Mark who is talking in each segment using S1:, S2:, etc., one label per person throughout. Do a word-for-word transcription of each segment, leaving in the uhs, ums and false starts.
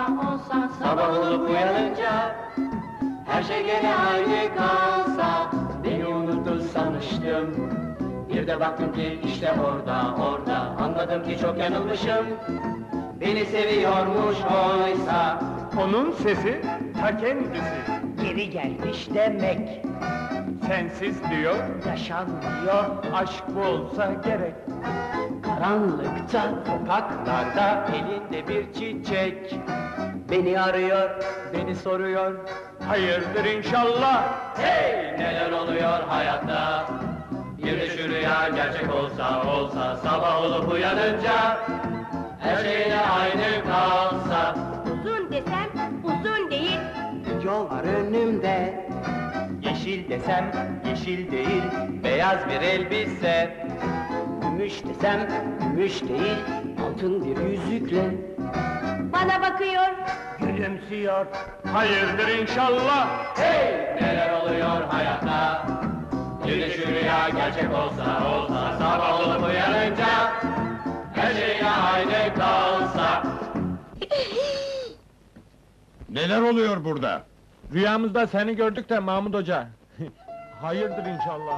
S1: olsa olsa, sabah olup uyanınca her şey gene aynı kalsa. Beni unuttu sanmıştım, bir de baktım ki işte orada orada, anladım ki çok yanılmışım. Beni seviyormuş oysa.
S2: Onun sesi ta kendisi.
S3: Geri gelmiş demek,
S2: Sensiz diyor,
S3: yaşanmıyor.
S2: aşk bu olsa gerek.
S1: Karanlıkta, sokaklarda, elinde bir çiçek beni arıyor, beni soruyor.
S2: Hayırdır inşallah.
S1: Hey! Neler oluyor hayatta? Bir de şu rüya gerçek olsa olsa, sabah olup uyanınca her şeyle aynı kalsa.
S4: Uzun desem uzun değil.
S1: Yol var önümde,
S2: Yeşil desem yeşil değil, beyaz bir elbise.
S1: gümüş desem gümüş değil, altın bir yüzükle.
S4: Bana bakıyor.
S3: Gülümsüyor.
S2: Hayırdır inşallah.
S1: Hey! Neler oluyor hayatta? Bir de şu rüya gerçek olsa olsa, sabah olup uyanınca her şeyle aynı kalsa.
S2: Neler oluyor burada? Rüyamızda seni gördük de Mahmud Hoca. Hayırdır inşallah.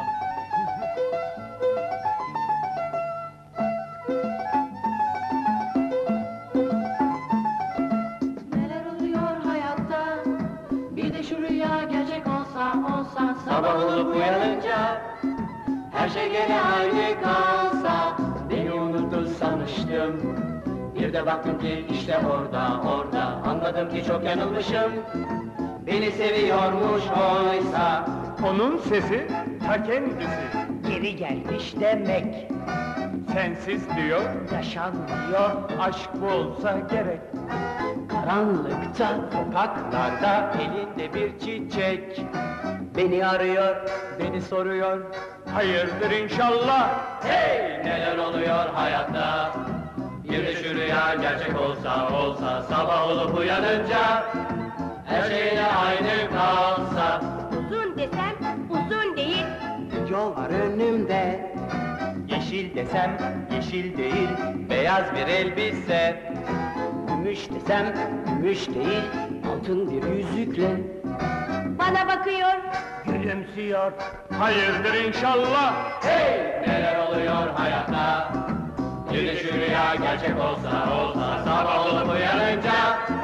S1: Neler oluyor hayatta? Bir de şu rüya gerçek olsa olsa, sabah olup uyanınca her şey gene aynı kalsa. Beni unuttu sanmıştım, bir de baktım ki işte orada orada, anladım ki çok yanılmışım. Beni seviyormuş oysa.
S2: Onun sesi ta kendisi.
S3: Geri gelmiş demek,
S2: Sensiz diyor,
S3: yaşanmıyor.
S2: aşk bu olsa gerek.
S1: Karanlıkta, sokaklarda, elinde bir çiçek beni arıyor, beni soruyor.
S2: Hayırdır inşallah.
S1: Hey! Neler oluyor hayatta? Bir de şu rüya gerçek olsa olsa, sabah olup uyanınca her şeyle aynı kalsa.
S4: Uzun desem uzun değil.
S1: Yol var önümde,
S2: Yeşil desem yeşil değil, beyaz bir elbise.
S1: gümüş desem gümüş değil, altın bir yüzükle.
S4: Bana bakıyor.
S3: Gülümsüyor.
S2: Hayırdır inşallah.
S1: Hey! Neler oluyor hayatta? Bir de şu rüya gerçek olsa olsa, sabah olup uyanınca